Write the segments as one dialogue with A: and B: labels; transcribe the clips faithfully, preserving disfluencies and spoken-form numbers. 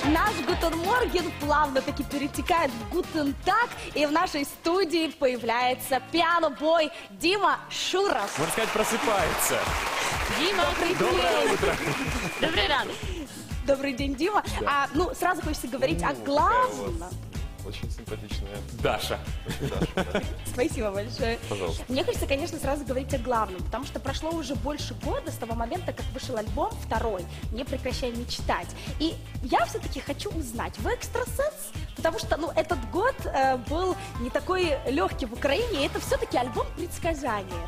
A: Наш Гутен Морген плавно-таки перетекает в Гутен Так, и в нашей студии появляется пиано-бой Дима Шуров.
B: Можно сказать, просыпается.
A: Дима,
B: Доброе утро.
A: Добрый рано. Добрый день, Дима.
C: Да.
A: А, ну, сразу хочется говорить
C: Ну,
A: о главном.
C: Очень симпатичная
B: Даша.
C: Даша. Да.
A: Спасибо большое.
C: Пожалуйста.
A: Мне хочется, конечно, сразу говорить о главном, потому что прошло уже больше года с того момента, как вышел альбом второй «Не прекращай мечтать». И я все-таки хочу узнать, вы экстрасенс? Потому что, ну, этот год э, был не такой легкий в Украине, и это все-таки альбом предсказания.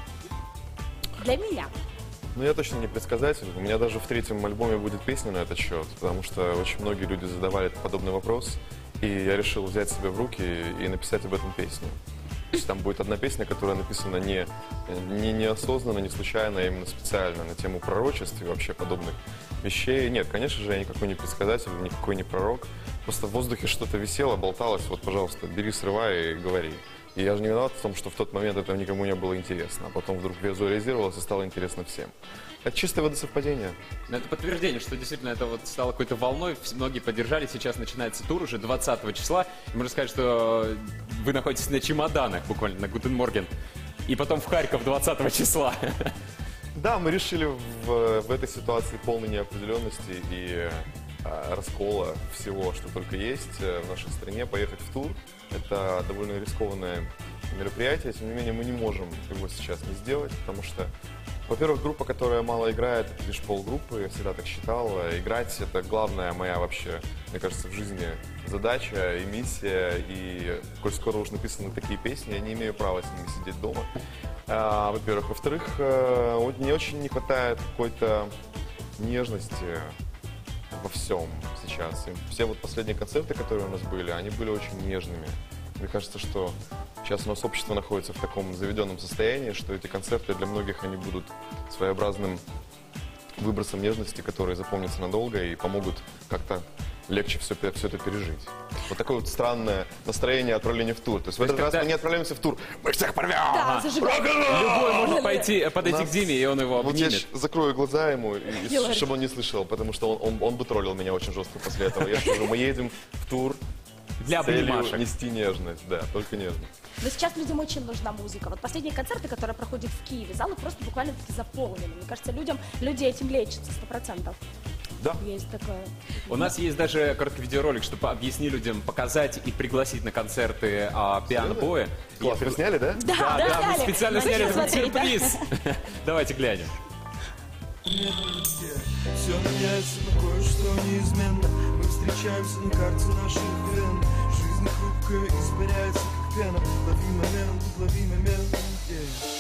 A: Для меня.
C: Ну, я точно не предсказатель. У меня даже в третьем альбоме будет песня на этот счет, потому что очень многие люди задавали подобный вопрос, и я решил взять себя в руки и написать об этом песню. То есть там будет одна песня, которая написана не, не неосознанно, не случайно, а именно специально на тему пророчеств и вообще подобных вещей. Нет, конечно же, я никакой не предсказатель, никакой не пророк. Просто в воздухе что-то висело, болталось. Вот, пожалуйста, бери, срывай и говори. И я же не виноват в том, что в тот момент это никому не было интересно, а потом вдруг визуализировалось и стало интересно всем. Это чистое водосовпадение.
B: Но это подтверждение, что действительно это вот стало какой-то волной, многие поддержали, сейчас начинается тур уже двадцатого числа, и можно сказать, что вы находитесь на чемоданах буквально, на Гутен Морген, и потом в Харьков двадцатого числа.
C: Да, мы решили в, в этой ситуации полной неопределенности и а, раскола всего, что только есть в нашей стране, поехать в тур. Это довольно рискованное мероприятие, тем не менее мы не можем его сейчас не сделать, потому что, во-первых, группа, которая мало играет, это лишь полгруппы, я всегда так считал. Играть — это главная моя вообще, мне кажется, в жизни задача и миссия, и коль скоро уж написаны такие песни, я не имею права с ними сидеть дома. А, во-первых. Во-вторых, вот мне очень не хватает какой-то нежности во всем сейчас. И все вот последние концерты, которые у нас были, они были очень нежными. Мне кажется, что сейчас у нас общество находится в таком заведенном состоянии, что эти концерты для многих они будут своеобразным выбросом нежности, которые запомнятся надолго и помогут как-то легче все, все это пережить. Вот такое вот странное настроение отправления в тур. То есть в этот раз мы не отправляемся в тур, мы всех порвем!
A: Да, зажигаем.
B: Любой может пойти, подойти
C: Нас-
B: к Диме, и он его
C: Вот я
B: обнимет.
C: щ- закрою глаза ему, и- и
A: Делай.
C: чтобы он не слышал, потому что он, он, он бы троллил меня очень жестко после этого. Я скажу, мы едем в тур
B: Для
C: с целью
B: обнимашек.
C: нести нежность, да, только нежность.
A: Но сейчас людям очень нужна музыка. Вот последние концерты, которые проходят в Киеве, залы просто буквально заполнены. Мне кажется, людям, люди этим лечатся, сто процентов.
C: Да.
A: Есть такое.
B: У нас есть даже короткий видеоролик, чтобы объяснить людям, показать и пригласить на концерты а, пиано-боя.
C: Класс, вы сняли, да?
A: Да,
B: Да,
A: да,
B: да, мы
A: сняли.
B: специально
A: Вы
B: сняли
A: что
B: этот
A: смотрите?
B: сюрприз. Давайте глянем.
D: Все меняется, но кое-что неизменно. Мы встречаемся на карте наших вен. Жизнь хрупкая, испаряется как пена. Лови момент, лови момент, yeah.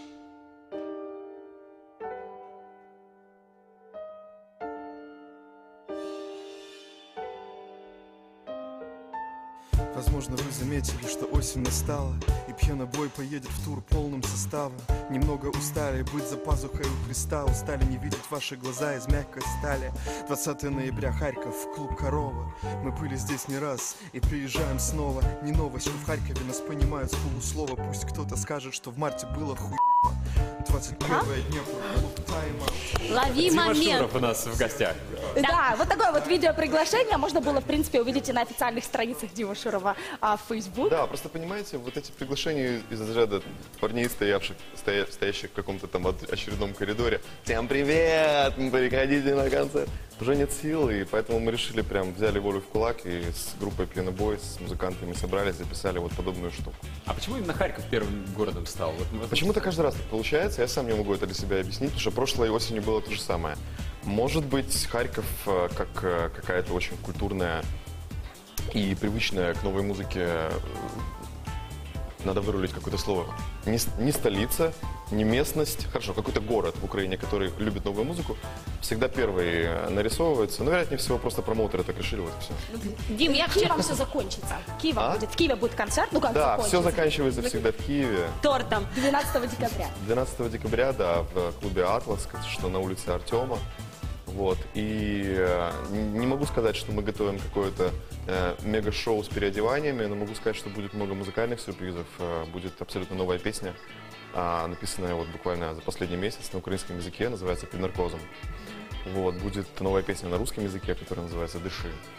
D: Возможно, вы заметили, что осень настала, и пьянобой поедет в тур полным составом. Немного устали быть за пазухой у креста, устали не видеть ваши глаза из мягкой стали. двадцатого ноября, Харьков, клуб «Корова». Мы были здесь не раз и приезжаем снова. Не новость, что в Харькове нас понимают с полуслова. Пусть кто-то скажет, что в марте было хуй. двадцать первое Днепр, клуб «Тайм-аут».
A: Лови
B: Дима
A: момент.
B: Шуров у нас в гостях.
A: Да, вот такое вот видеоприглашение можно было, в принципе, увидеть и на официальных страницах Димы Шурова а, в Facebook.
C: Да, просто понимаете, вот эти приглашения из разряда парней, стоявших, стоя- стоящих в каком-то там от- очередном коридоре. Всем привет, приходите на концерт. Уже нет сил, и поэтому мы решили прям, взяли волю в кулак и с группой Пьянобой, с музыкантами собрались, записали вот подобную штуку.
B: А почему именно Харьков первым городом стал? Вот мы-
C: Почему-то каждый раз так получается, я сам не могу это для себя объяснить, потому что прошлой осенью было то же самое. Может быть, Харьков э, как э, какая-то очень культурная и привычная к новой музыке, э, надо вырулить какое-то слово, не, с- не столица, не местность, хорошо, какой-то город в Украине, который любит новую музыку, всегда первый э, нарисовывается. Но, вероятнее всего, просто промоутеры так решили, вот и все.
A: Дим, я Киевом все закончится. Киев
C: А?
A: будет, в Киеве будет концерт, ну как
C: Да,
A: закончится?
C: все заканчивается всегда в Киеве.
A: Тортом. двенадцатого декабря.
C: двенадцатого декабря, да, в клубе «Атлас», что на улице Артема. Вот. И э, не могу сказать, что мы готовим какое-то э, мега-шоу с переодеваниями, но могу сказать, что будет много музыкальных сюрпризов. Э, будет абсолютно новая песня, э, написанная вот буквально за последний месяц на украинском языке, называется «Под наркозом». Вот. Будет новая песня на русском языке, которая называется «Дыши».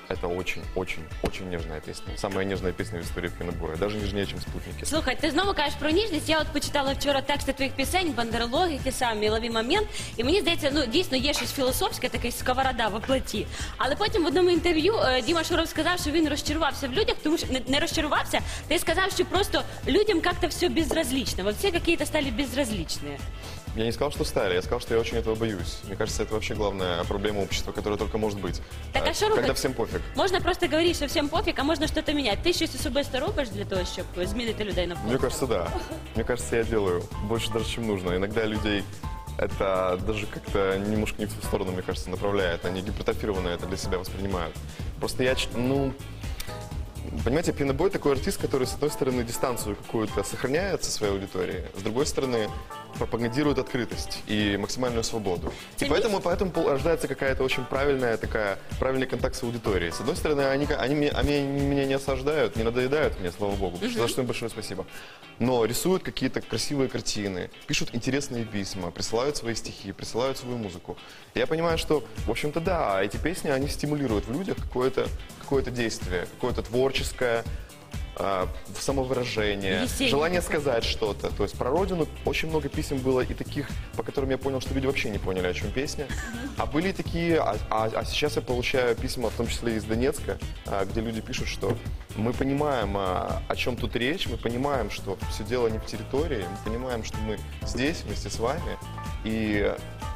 C: это очень-очень-очень нежная песня. Самая нежная песня в истории п'янобоя, даже нежнее, чем «Спутники».
E: Слухай, ти знову кажеш про ніжність. Я от почитала вчора тексти твоїх пісень, бандерологи, ті самі, «Лови момент». І мені здається, ну дійсно є щось філософське, такий сковорода в платі. Але потім в одному інтерв'ю е, Діма Шуров сказав, що він розчарувався в людях, тому що не, не розчарувався, ти сказав, що просто людям як-то все безразлично. Вот все какие-то стали безразличные.
C: Я не сказал, что стали, я сказал, что я очень этого боюсь. Мне кажется, это вообще главная проблема общества, которая только может быть.
E: Так, а що
C: Когда
E: робити?
C: всем пофиг.
E: Можна просто говорити, що всім пофіг, а можна щось міняти. Ти щось особисто робиш для того, щоб змінити людей навколо?
C: Мне кажется, да. Мне кажется, я делаю больше даже, чем нужно. Иногда людей это даже как-то немножко не в ту сторону, мне кажется, направляет. Они гипертрофированно это для себя воспринимают. Просто я, ч- ну... Понимаете, пьянобой такой артист, который, с одной стороны, дистанцию какую-то сохраняет со своей аудиторией, с другой стороны, пропагандирует открытость и максимальную свободу. И поэтому, поэтому пол- рождается какая-то очень правильная такая, правильный контакт с аудиторией. С одной стороны, они, ка- они, меня, они меня не осаждают, не надоедают мне, слава богу, за что им большое спасибо. Но рисуют какие-то красивые картины, пишут интересные письма, присылают свои стихи, присылают свою музыку. И я понимаю, что, в общем-то, да, эти песни, они стимулируют в людях какое-то, какое-то действие, какое-то творческое, а, самовыражение,
E: Веселье
C: желание
E: какое-то.
C: сказать что-то. То есть про родину очень много писем было и таких, по которым я понял, что люди вообще не поняли, о чем песня. А были и такие, а, а- а сейчас я получаю письма, в том числе из Донецка, а, где люди пишут, что мы понимаем, а, о чем тут речь, мы понимаем, что все дело не в территории, мы понимаем, что мы здесь вместе с вами. И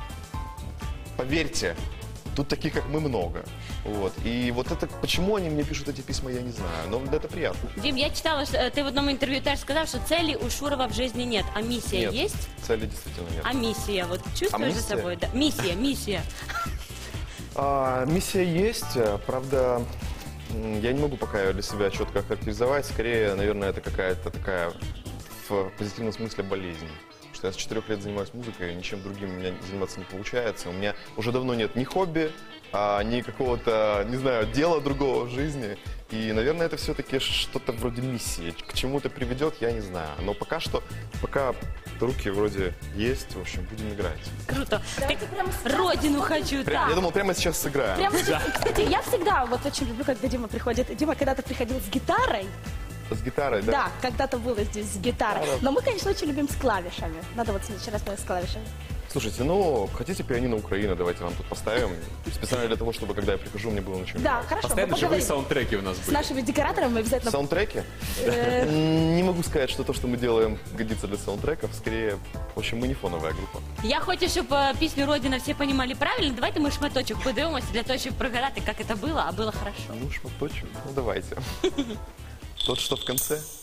C: поверьте, тут таких, как мы, много. Вот. И вот это, почему они мне пишут эти письма, я не знаю, но это приятно.
E: Дім, я читала, що е, ти в одному інтерв'ю теж сказав, що цели у Шурова в житті нет, а місія
C: Нет,
E: є?
C: цели действительно нет.
E: А миссия, вот чувствуешь за
C: миссия?
E: собой? Да. Миссия, миссия.
C: А, миссия есть, а, правда, м, я не могу пока ее для себя четко охарактеризовать. Скорее, наверное, это какая-то такая в позитивном смысле болезнь. Потому что я с четырех лет занимаюсь музыкой, ничем другим у меня заниматься не получается. У меня уже давно нет ни хобби, а, ни какого-то, не знаю, дела другого в жизни. И, наверное, это все-таки что-то вроде миссии. К чему это приведет, я не знаю. Но пока что, пока руки вроде есть, в общем, будем играть.
E: Круто.
A: Давайте прямо сейчас
E: Родину хочу,
C: Прям-
E: так.
C: Я думал, прямо сейчас сыграем.
A: Прямо сейчас. Кстати, я всегда вот очень люблю, когда Дима приходит. Дима когда-то приходил с гитарой.
C: С гитарой, да?
A: Да, когда-то было здесь с гитарой. Но мы, конечно, очень любим с клавишами. Надо вот следующий раз с клавишами.
C: Слушайте, ну, хотите пианино Украины, давайте вам тут поставим. Специально для того, чтобы, когда я прихожу, мне было на чем
A: Да,
C: играть.
A: хорошо. мы
B: Постоянно живые
A: поговорим.
B: саундтреки у нас
A: С
B: были.
A: нашими декораторами мы обязательно...
C: Саундтреки?
A: Э,
C: М, Не могу сказать, что то, что мы делаем, годится для саундтреков. Скорее, в общем, мы не фоновая группа.
E: Я хочу, щоб е, пісню «Родина» всі розуміли правильно. Давайте ми шматочок подивимося для того, щоб пригадати, як це було, а було хорошо.
C: Ну, шматочек, ну давайте. Тот, что в конце.